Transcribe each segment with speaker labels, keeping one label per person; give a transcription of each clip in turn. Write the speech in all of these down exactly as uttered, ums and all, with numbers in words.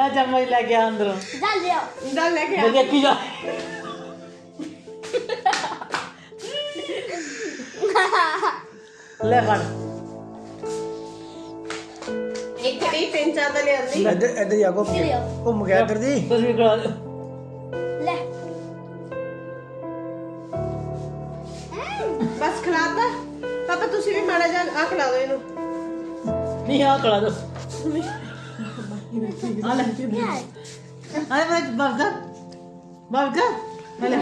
Speaker 1: जा चम्मच लेके आ अंदरों
Speaker 2: डाल लिया
Speaker 3: डाल लेके
Speaker 1: मैं देखी जा ले फड़
Speaker 3: एक घड़ी तीन चार दले आंदी
Speaker 4: इधर इधर जाओ घूम गया इधर दी
Speaker 1: तस्वीर करा दो
Speaker 2: ले
Speaker 3: बस खिलाता पापा तुसी भी माड़ा जा आ खिला दो इनु
Speaker 1: नहीं आ करा दो आ ले
Speaker 2: क्या है
Speaker 1: अरे मैं बाप का बाप का ले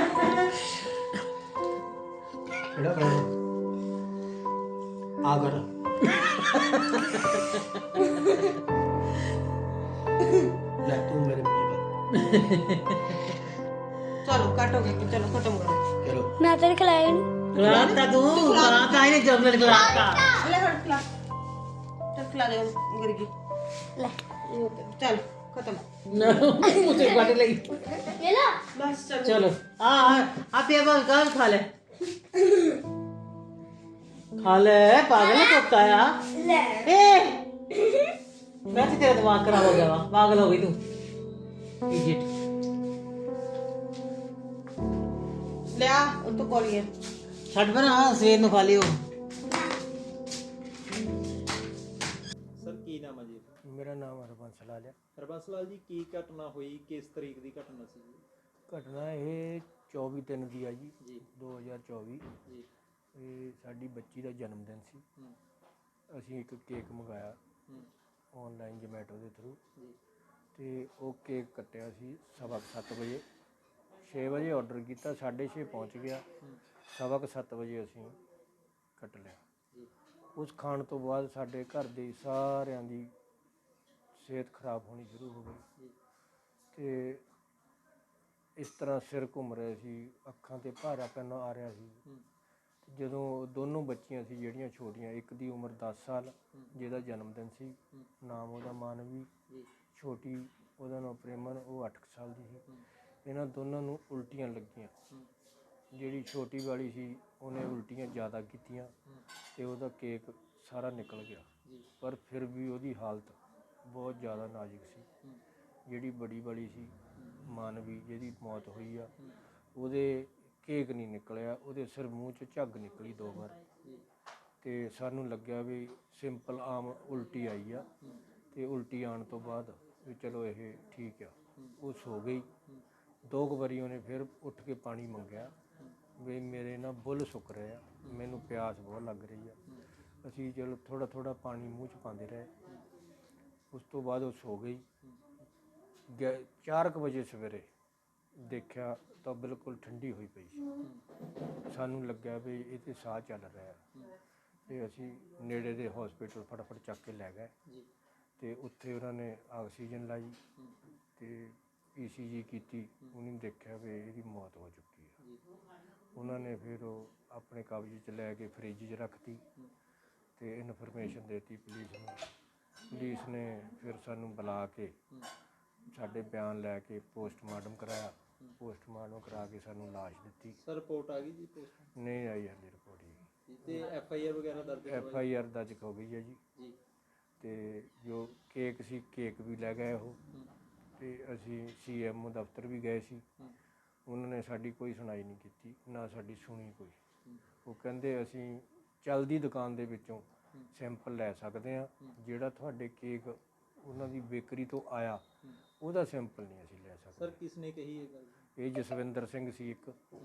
Speaker 4: एड़ा कर आ कर ले तू मेरे पीछे
Speaker 3: चलो काटो के चलो खत्म करो
Speaker 4: चलो
Speaker 2: मैं तेरे खिलाया नहीं
Speaker 1: खिलाता तू खिलाता ही नहीं चॉकलेट खिलाता
Speaker 3: ले हट खिला चल खिला दे गिरगी
Speaker 2: ले
Speaker 3: चल खत्म
Speaker 1: ना मुझे काट लगी
Speaker 2: ये लो
Speaker 3: बस चलो
Speaker 1: चलो आ आप ये बात कहाँ खा ले खा ले पागल है कुत्ता यार
Speaker 2: ले
Speaker 1: ए वैसे तेरा दिमाग खराब हो गया वा पागल हो गई तू इडियट
Speaker 3: ले आ तो कोलिए
Speaker 1: छट पर हाँ सवेर ਨੂੰ ਖਾ ਲਿਓ
Speaker 5: ਸਰ ਕੀ ਨਾਮ ਹੈ ਜੀ?
Speaker 4: मेरा नाम हरबंस लाल है।
Speaker 5: ਹਰਬੰਸ ਲਾਲ ਜੀ ਕੀ ਘਟਨਾ ਹੋਈ ਕਿਸ ਤਰੀਕ ਦੀ ਘਟਨਾ ਸੀ ਜੀ?
Speaker 4: ਘਟਨਾ ਇਹ ਚੌਵੀ ਤਿੰਨ ਦੀ ਆ ਜੀ
Speaker 5: ਜੀ
Speaker 4: ਦੋ ਹਜ਼ਾਰ ਚੌਵੀ
Speaker 5: ਜੀ
Speaker 4: ਇਹ ਸਾਡੀ ਬੱਚੀ ਦਾ ਜਨਮ ਦਿਨ ਸੀ।
Speaker 5: ਹੂੰ
Speaker 4: ਅਸੀਂ ਇੱਕ ਕੇਕ ਮੰਗਾਇਆ
Speaker 5: ਹੂੰ
Speaker 4: ਆਨਲਾਈਨ ਜੋਮੈਟੋ ਦੇ ਥਰੂ
Speaker 5: ਜੀ
Speaker 4: ਤੇ ਉਹ ਕੇਕ ਕੱਟਿਆ ਸੀ ਸਵਾ ਕੁ ਸੱਤ ਵਜੇ ਛੇ ਵਜੇ ਆਰਡਰ ਕੀਤਾ ਸਾਢੇ ਛੇ ਪਹੁੰਚ ਗਿਆ ਸਵਾ ਕੁ ਸੱਤ ਵਜੇ ਅਸੀਂ ਕੱਟ ਲਿਆ।
Speaker 5: ਜੀ
Speaker 4: ਉਸ ਖਾਣ ਤੋਂ ਬਾਅਦ ਸਾਡੇ ਘਰ ਦੇ ਸਾਰਿਆਂ ਦੀ ਸਿਹਤ ਖਰਾਬ ਹੋਣੀ ਸ਼ੁਰੂ ਹੋ ਗਈ
Speaker 5: ਜੀ
Speaker 4: ਤੇ ਇਸ ਤਰ੍ਹਾਂ ਸਿਰ ਘੁੰਮ ਰਿਹਾ ਸੀ ਅੱਖਾਂ ਤੇ ਭਾਰਾ ਪੈਣ ਆ ਰਿਹਾ ਸੀ।
Speaker 5: ਹੂੰ
Speaker 4: ਜਦੋਂ ਦੋਨੋਂ ਬੱਚੀਆਂ ਸੀ ਜਿਹੜੀਆਂ ਛੋਟੀਆਂ ਇੱਕ ਦੀ ਉਮਰ ਦਸ ਸਾਲ ਜਿਹਦਾ ਜਨਮ ਦਿਨ ਸੀ
Speaker 5: ਹੂੰ
Speaker 4: ਨਾਮ ਉਹਦਾ ਮਾਨਵੀ
Speaker 5: ਜੀ
Speaker 4: ਛੋਟੀ ਉਹਦਾ ਨਾਮ ਪ੍ਰੇਮਨ ਉਹ ਅੱਠ ਕੁ ਸਾਲ ਦੀ ਸੀ।
Speaker 5: ਹੂੰ
Speaker 4: ਇਹਨਾਂ ਦੋਨਾਂ ਨੂੰ ਉਲਟੀਆਂ ਲੱਗੀਆਂ
Speaker 5: ਹੂੰ
Speaker 4: ਜਿਹੜੀ ਛੋਟੀ ਵਾਲੀ ਸੀ ਉਹਨੇ ਉਲਟੀਆਂ ਜ਼ਿਆਦਾ ਕੀਤੀਆਂ
Speaker 5: ਹੂੰ
Speaker 4: ਤੇ ਉਹਦਾ ਕੇਕ ਸਾਰਾ ਨਿਕਲ ਗਿਆ
Speaker 5: ਜੀ
Speaker 4: ਪਰ ਫਿਰ ਵੀ ਉਹਦੀ ਹਾਲਤ ਬਹੁਤ ਜ਼ਿਆਦਾ ਨਾਜ਼ੁਕ ਸੀ।
Speaker 5: ਹੂੰ
Speaker 4: ਜਿਹੜੀ ਬੜੀ ਵਾਲੀ ਸੀ ਮਾਨਵੀ ਜਿਹਦੀ ਮੌਤ ਹੋਈ ਆ
Speaker 5: ਹੂੰ
Speaker 4: ਉਹਦੇ ਕੇਕ ਨਹੀਂ ਨਿਕਲਿਆ ਉਹਦੇ ਸਿਰ ਮੂੰਹ 'ਚ ਝੱਗ ਨਿਕਲੀ ਦੋ ਵਾਰ
Speaker 5: ਜੀ
Speaker 4: ਤੇ ਸਾਨੂੰ ਲੱਗਿਆ ਵੀ ਸਿੰਪਲ ਆਮ ਉਲਟੀ ਆਈ ਆ
Speaker 5: ਹੂੰ
Speaker 4: ਤੇ ਉਲਟੀ ਆਉਣ ਤੋਂ ਬਾਅਦ ਵੀ ਚਲੋ ਇਹ ਠੀਕ ਆ
Speaker 5: ਹੂੰ
Speaker 4: ਉਹ ਸੋ ਗਈ।
Speaker 5: ਹੂੰ
Speaker 4: ਦੋ ਕੁ ਵਾਰੀ ਉਹਨੇ ਫਿਰ ਉੱਠ ਕੇ ਪਾਣੀ ਮੰਗਿਆ ਵੀ ਮੇਰੇ ਨਾ ਬੁੱਲ ਸੁੱਕ ਰਹੇ ਆ ਮੈਨੂੰ ਪਿਆਸ ਬਹੁਤ ਲੱਗ ਰਹੀ ਆ।
Speaker 5: ਹੂੰ
Speaker 4: ਅਸੀਂ ਚਲੋ ਥੋੜ੍ਹਾ ਥੋੜ੍ਹਾ ਪਾਣੀ ਮੂੰਹ 'ਚ ਪਾਉਂਦੇ ਰਹੇ। ਉਸ ਤੋਂ ਬਾਅਦ ਉਹ ਸੋ ਗਈ। ਗਿਆ- ਚਾਰ ਕੁ ਵਜੇ ਸਵੇਰੇ ਦੇਖਿਆ ਤਾਂ ਬਿਲਕੁਲ ਠੰਡੀ ਹੋਈ ਪਈ ਸੀ। ਸਾਨੂੰ ਲੱਗਿਆ ਵੀ ਇਹ 'ਤੇ ਸਾਹ ਚੱਲ ਰਿਹਾ ਤੇ ਅਸੀਂ ਨੇੜੇ ਦੇ ਹਸਪੀਟਲ ਫਟਾਫਟ ਚੱਕ ਕੇ ਲੈ ਗਏ
Speaker 5: ਜੀ
Speaker 4: ਤੇ ਉੱਥੇ ਉਹਨਾਂ ਨੇ ਆਕਸੀਜਨ ਲਾਈ
Speaker 5: ਹੂੰ
Speaker 4: ਤੇ ਈ ਸੀ ਜੀ ਕੀਤੀ। ਉਹਨੇ ਦੇਖਿਆ ਵੀ ਇਹਦੀ ਮੌਤ ਹੋ ਚੁੱਕੀ ਹੈ।
Speaker 5: ਜੀ
Speaker 4: ਉਹਨਾਂ ਨੇ ਫਿਰ ਉਹ ਆਪਣੇ ਕਬਜ਼ੇ 'ਚ ਲੈ ਕੇ ਫਰਿੱਜ 'ਚ ਰੱਖਤੀ ਤੇ ਇਨਫੋਰਮੇਸ਼ਨ ਦੇਤੀ ਪੁਲਿਸ ਨੂੰ। ਪੁਲਿਸ ਨੇ ਫਿਰ ਸਾਨੂੰ ਬੁਲਾ ਕੇ
Speaker 5: ਹੂੰ
Speaker 4: ਸਾਡੇ ਬਿਆਨ ਲੈ ਕੇ ਪੋਸਟਮਾਰਟਮ ਕਰਾਇਆ। ਪੋਸਟਮਾਰਟਮ ਕਰਾ ਕੇ ਸਾਨੂੰ ਲਾਸ਼ ਦਿੱਤੀ।
Speaker 5: ਸਰ ਰਿਪੋਰਟ ਆ ਗਈ ਜੀ ਪੋਸਟ
Speaker 4: ਨਹੀਂ ਆਈ ਹਾਲੇ ਰਿਪੋਰਟ ਜੀ।
Speaker 5: ਜੀ ਤੇ ਐਫ ਆਈ ਆਰ ਵਗੈਰਾ ਦਰਜ
Speaker 4: ਐਫ ਆਈ ਆਰ ਦਰਜ ਹੋ ਗਈ ਹੈ ਜੀ
Speaker 5: ਜੀ
Speaker 4: ਤੇ ਜੋ ਕੇਕ ਸੀ ਕੇਕ ਵੀ ਲੈ ਗਏ ਉਹ
Speaker 5: ਹੂੰ
Speaker 4: ਤੇ ਅਸੀਂ ਸੀ ਐਮ ਓ ਦਫ਼ਤਰ ਵੀ ਗਏ ਸੀ।
Speaker 5: ਹੂੰ
Speaker 4: ਉਹਨਾਂ ਨੇ ਸਾਡੀ ਕੋਈ ਸੁਣਾਈ ਨਹੀਂ ਕੀਤੀ ਨਾ ਸਾਡੀ ਸੁਣੀ ਕੋਈ।
Speaker 5: ਹੂੰ
Speaker 4: ਉਹ ਕਹਿੰਦੇ ਅਸੀਂ ਚੱਲਦੀ ਦੁਕਾਨ ਦੇ ਵਿੱਚੋਂ
Speaker 5: ਹੂੰ
Speaker 4: ਸੈਂਪਲ ਲੈ ਸਕਦੇ ਹਾਂ ਜਿਹੜਾ ਤੁਹਾਡੇ ਕੇਕ ਉਹਨਾਂ ਦੀ ਬੇਕਰੀ ਤੋਂ ਆਇਆ
Speaker 5: ਹੂੰ
Speaker 4: ਉਹਦਾ ਸੈਂਪਲ ਨਹੀਂ ਅਸੀਂ ਲੈ
Speaker 5: ਸਰ
Speaker 4: ਸਕਦੇ।
Speaker 5: ਕਿਸ ਨੇ ਕਹੀ ਇਹ ਗੱਲ?
Speaker 4: ਇਹ ਜਸਵਿੰਦਰ ਸਿੰਘ ਸੀ ਇੱਕ
Speaker 5: ਹੂੰ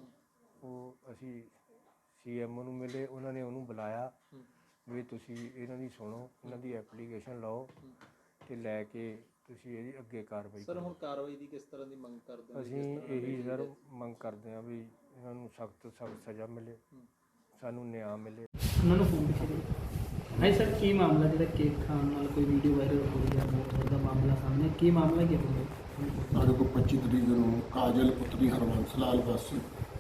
Speaker 4: ਉਹ ਅਸੀਂ ਸੀ ਐਮ ਓ ਨੂੰ ਮਿਲੇ ਉਹਨਾਂ ਨੇ ਉਹਨੂੰ ਬੁਲਾਇਆ
Speaker 5: ਹੂੰ
Speaker 4: ਵੀ ਤੁਸੀਂ ਇਹਨਾਂ ਦੀ ਸੁਣੋ ਇਹਨਾਂ ਦੀ ਐਪਲੀਕੇਸ਼ਨ ਲਓ
Speaker 5: ਹੂੰ
Speaker 4: ਤੇ ਲੈ ਕੇ ਤੁਸੀਂ ਇਹਦੀ ਅੱਗੇ ਕਾਰਵਾਈ
Speaker 5: ਸਰ
Speaker 4: ਕਰੋ।
Speaker 5: ਹੁਣ ਕਾਰਵਾਈ ਦੀ ਕਿਸ ਤਰ੍ਹਾਂ ਦੀ ਮੰਗ ਕਰਦੇ ਹੋ?
Speaker 4: ਅਸੀਂ ਇਹੀ ਸਰ ਮੰਗ ਕਰਦੇ ਹਾਂ ਵੀ ਇਹਨਾਂ ਨੂੰ ਸਖਤ ਤੋਂ ਸਖਤ ਸਜ਼ਾ ਮਿਲੇ
Speaker 5: ਹੂੰ
Speaker 4: ਸਾਨੂੰ ਨਿਆਂ ਮਿਲੇ।
Speaker 6: ਉਹਨਾਂ ਨੂੰ ਫੋਨ ਪਿੱਛੇ ਦੇ ਹਾਂ ਸਰ ਕੀ ਮਾਮਲਾ ਜਿਹੜਾ ਕੇਕ ਖਾਣ ਨਾਲ ਕੋਈ ਵੀਡੀਓ ਵਾਇਰਲ ਹੋ ਗਿਆ ਬਹੁਤ ਦਾ ਮਾਮਲਾ ਸਾਹਮਣੇ ਕੀ ਮਾਮਲਾ ਕੀ ਹੈ?
Speaker 7: ਸਾਡੇ ਕੋਲ ਪੱਚੀ ਤਰੀਕ ਨੂੰ ਕਾਜਲ ਪੁੱਤਰੀ ਹਰਬੰਸ ਲਾਲ ਵਾਸੀ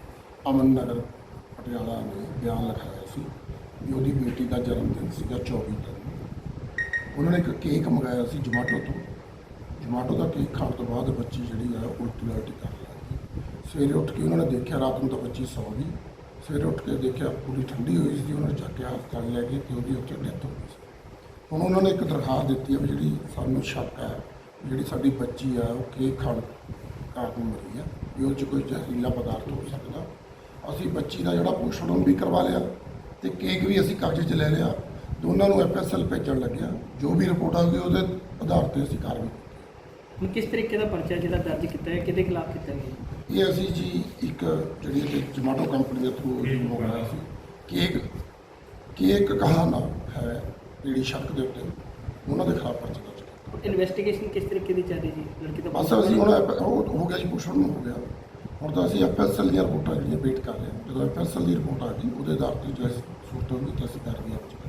Speaker 7: ਅਮਨ ਨਗਰ ਪਟਿਆਲਾ ਨੇ ਬਿਆਨ ਲਿਖਾਇਆ ਸੀ ਵੀ ਉਹਦੀ ਬੇਟੀ ਦਾ ਜਨਮ ਦਿਨ ਸੀਗਾ ਚੌਵੀ ਤਰੀਕ ਨੂੰ। ਉਹਨਾਂ ਨੇ ਇੱਕ ਕੇਕ ਮੰਗਾਇਆ ਸੀ ਜਮਾਟੋ ਤੋਂ। ਜਮਾਟੋ ਦਾ ਕੇਕ ਖਾਣ ਤੋਂ ਬਾਅਦ ਬੱਚੀ ਜਿਹੜੀ ਆ ਉਲਟੀ ਉਲਟੀ ਕਰਨ ਲੱਗ ਗਈ। ਸਵੇਰੇ ਉੱਠ ਕੇ ਉਹਨਾਂ ਨੇ ਦੇਖਿਆ ਰਾਤ ਨੂੰ ਤਾਂ ਬੱਚੀ ਸੌ ਗਈ। ਸਵੇਰੇ ਉੱਠ ਕੇ ਦੇਖਿਆ ਪੂਰੀ ਠੰਡੀ ਹੋਈ ਸੀ। ਉਹਨਾਂ ਨੇ ਚੱਕ ਕੇ ਹਸਪਤਾਲ ਲੈ ਗਏ ਤੇ ਉਹਦੀ ਉੱਥੇ ਡੈਥ ਹੋ ਗਈ ਸੀ। ਹੁਣ ਉਹਨਾਂ ਨੇ ਇੱਕ ਦਰਖਾਸਤ ਦਿੱਤੀ ਹੈ ਵੀ ਜਿਹੜੀ ਸਾਨੂੰ ਸ਼ੱਕ ਹੈ ਜਿਹੜੀ ਸਾਡੀ ਬੱਚੀ ਆ ਉਹ ਕੇਕ ਖਾਣ ਕਾਰਨ ਮਰੀ ਆ ਵੀ ਉਹ 'ਚ ਕੋਈ ਜ਼ਹਿਰੀਲਾ ਪਦਾਰਥ ਹੋ ਸਕਦਾ। ਅਸੀਂ ਬੱਚੀ ਦਾ ਜਿਹੜਾ ਪੋਸਟਮਾਰਟਮ ਵੀ ਕਰਵਾ ਲਿਆ ਤੇ ਕੇਕ ਵੀ ਅਸੀਂ ਕਬਜ਼ੇ 'ਚ ਲੈ ਲਿਆ। ਦੋਨਾਂ ਨੂੰ ਐਫ ਐਸ ਐਲ ਭੇਜਣ ਲੱਗਿਆ। ਜੋ ਵੀ ਰਿਪੋਰਟ ਆ ਗਈ ਉਹਦੇ ਆਧਾਰ 'ਤੇ ਅਸੀਂ ਕਾਰਵਾਈ ਕੀਤੀ।
Speaker 6: ਹੁਣ ਕਿਸ ਤਰੀਕੇ ਦਾ ਪਰਚਾ ਜਿਹੜਾ ਦਰਜ ਕੀਤਾ ਹੈ, ਕਿਹਦੇ ਖਿਲਾਫ ਕੀਤਾ ਗਿਆ?
Speaker 7: ਇਹ ਅਸੀਂ ਜੀ ਇੱਕ ਜਿਹੜੀ ਕਿ ਜਮਾਟੋ ਕੰਪਨੀ ਦੇ ਥਰੂ ਮੰਗਵਾਇਆ ਸੀ ਕੇਕ ਕੇਕ ਕਹਾਣਾ ਹੈ ਜਿਹੜੀ ਸ਼ੱਕ ਦੇ ਉੱਤੇ ਉਹਨਾਂ ਦੇ ਖਿਲਾਫ ਪਰਚਾ ਦਰਜ ਕੀਤਾ।
Speaker 6: ਇਨਵੈਸਟੀਗੇਸ਼ਨ ਕਿਸ ਤਰੀਕੇ ਦੀ ਚੱਲ ਰਹੀ ਜੀ? ਲੜਕੀ ਦਾ
Speaker 7: ਬਸ ਅਸੀਂ ਹੁਣ ਐਪ- ਉਹ ਹੋ ਗਿਆ ਜੀ ਪੁੱਛਣ ਨੂੰ ਹੋ ਗਿਆ। ਹੁਣ ਤਾਂ ਅਸੀਂ ਐਫ ਐਸ ਐਲ ਦੀਆਂ ਰਿਪੋਰਟਾਂ ਜਿਹੜੀਆਂ ਵੇਟ ਕਰ ਰਹੇ ਹਾਂ। ਜਦੋਂ ਐਫ ਐਸ ਐਲ ਦੀ ਰਿਪੋਰਟ ਆ ਗਈ ਉਹਦੇ ਆਧਾਰ 'ਤੇ ਜੋ ਸੂਰਤ ਹੋਊਗੀ ਤਾਂ ਅਸੀਂ ਕਾਰਵਾਈ ਆਪ